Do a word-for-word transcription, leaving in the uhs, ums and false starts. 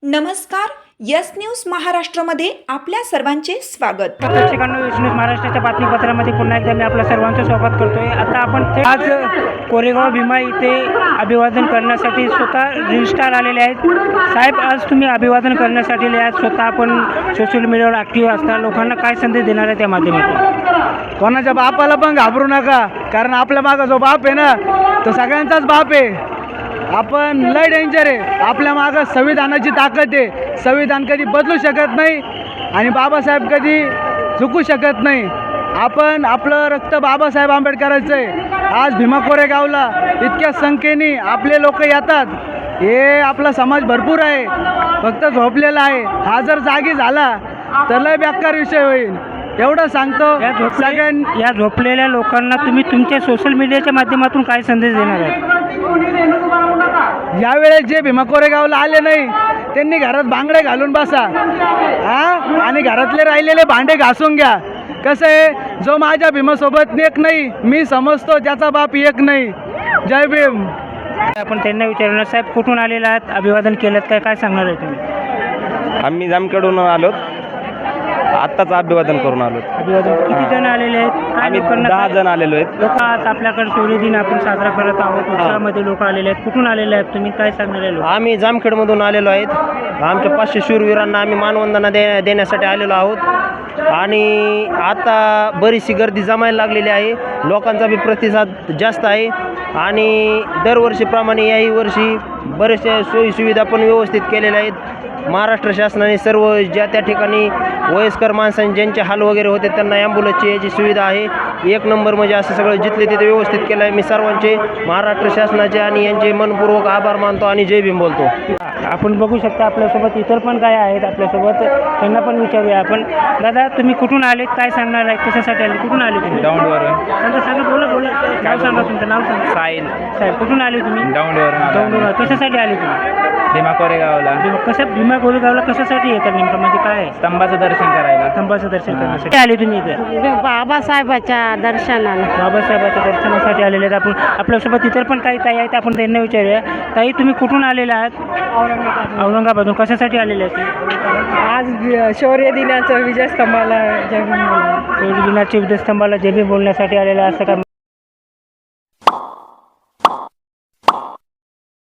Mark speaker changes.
Speaker 1: नमस्कार, yes news महाराष्ट्रामध्ये आपल्या सर्वांचे स्वागत.
Speaker 2: प्रेक्षकांनो, यस न्यूज महाराष्ट्राच्या बातमीपत्रामध्ये पुन्हा एकदा मी आपल्या सर्वांचं स्वागत करतोय. आता आपण थेट आज कोरेगाव भीमा इथे अभिवादन करण्यासाठी स्वतः रील स्टार आलेले आहेत. साहेब, आज तुम्ही अभिवादन करण्यासाठी आले आहात. स्वतः आपण सोशल मीडियावर ॲक्टिव्ह असता, लोकांना काय संदेश देणार आहे त्या माध्यमातून?
Speaker 3: कोणाच्या बापाला पण घाबरू नका, कारण आपल्या मागं जो बाप आहे ना, तो सगळ्यांचाच बाप आहे. आपण लय डेंजर आहे. आपल्या मागं संविधानाची ताकद आहे. संविधान कधी बदलू शकत नाही आणि बाबासाहेब कधी चुकू शकत नाही. आपण आपलं रक्त बाबासाहेब आंबेडकरांचं आहे. आज भीमा कोरेगावला इतक्या संख्येने आपले लोक येतात. हे आपला समाज भरपूर आहे, फक्त झोपलेला आहे. हा जर जागी झाला तर लय बेकार विषय होईल, एवढं सांगतो.
Speaker 2: या झोपल्या या झोपलेल्या लोकांना तुम्ही तुमच्या सोशल मीडियाच्या माध्यमातून काय संदेश देणार आहे?
Speaker 3: यावेळेस जे भीमा कोरेगावला आले नाही त्यांनी घरात बांगडे घालून बसा, हां, आणि घरातले राहिलेले भांडे घासून घ्या. कसं आहे, जो माझ्या भीमासोबत एक नाही, मी समजतो त्याचा बाप एक नाही. जय भीम.
Speaker 2: आपण त्यांना विचारणार, साहेब कुठून आलेला आहात, अभिवादन केलं काय काय सांगणार आहे तुम्ही?
Speaker 4: आम्ही जामखेडून आलो, आत्ताच अभिवादन करून आलो.
Speaker 2: अभिवादन किती जण आलेले आहेत? काय
Speaker 4: आम्ही
Speaker 2: लोकांना
Speaker 4: दहा
Speaker 2: काय-
Speaker 4: जण आलेलो आहेत.
Speaker 2: लोक आज आपल्याकडे सूर्य दिन आपण साजरा करत आहोत. उत्सवामध्ये लोक आलेले आहेत. कुठून आलेले आहेत तुम्ही, काय सांगणार आहे लोक?
Speaker 4: आम्ही जामखेडमधून आलेलो आहेत. आमच्या पाचशे शूरवीरांना आम्ही मानवंदना दे देण्यासाठी आलेलो आहोत. आणि आता बरीचशी गर्दी जमायला लागलेली आहे. लोकांचा बी प्रतिसाद जास्त आहे आणि दरवर्षीप्रमाणे याही वर्षी बरेचशा सोयीसुविधा पण व्यवस्थित केलेल्या आहेत. महाराष्ट्र शासनाने सर्व ज्या त्या ठिकाणी वयस्कर माणसांनी ज्यांचे हाल वगैरे होते त्यांना ॲम्ब्युलन्सची याची सुविधा आहे. एक नंबर म्हणजे असं सगळं जिथले तिथे व्यवस्थित केलं आहे. मी सर्वांचे महाराष्ट्र शासनाचे आणि यांचे मनपूर्वक आभार मानतो आणि जय भीम बोलतो.
Speaker 2: आपण बघू शकता आपल्यासोबत इतर पण काय आहेत आपल्यासोबत, त्यांना पण विचारूया आपण. दादा, तुम्ही कुठून आलेत, काय सांगणार आहे, कशासाठी आले, कुठून आले तुम्ही?
Speaker 5: दौंडवरून.
Speaker 2: सांगा सांगा बोला बोला नाव सांगा, तुमचं नाव सांगा.
Speaker 5: साहिल.
Speaker 2: साहेब, कुठून आले तुम्ही?
Speaker 5: दौंडवरून आलो.
Speaker 2: दौंडवरून. कशासाठी आले तुम्ही?
Speaker 5: भीमा कोरेगावला
Speaker 2: भीमा- कसं भीमा कोरेगावला कशासाठी येतात नेमकं, म्हणजे काय आहे?
Speaker 5: स्तंभाचं दर्शन करायला.
Speaker 2: स्तंभाचं दर्शन करण्यासाठी आले तुम्ही इथे?
Speaker 6: बाबासाहेबाच्या दर्शनाला.
Speaker 2: बाबासाहेबाच्या दर्शनासाठी आलेले आहेत आपण. आपल्यासोबत इतर पण काही ताई आहेत, आपण त्यांना विचारूया. ताई, तुम्ही कुठून आलेले आहात? औरंगाबादून. कशासाठी आलेले आहेत?
Speaker 6: आज शौर्य दिनाचं विजयस्तंभाला जय भीम बोलणं.
Speaker 2: शौर्य दिनाच्या विजयस्तंभाला जय भीम बोलण्यासाठी आलेले आहे, असं काय?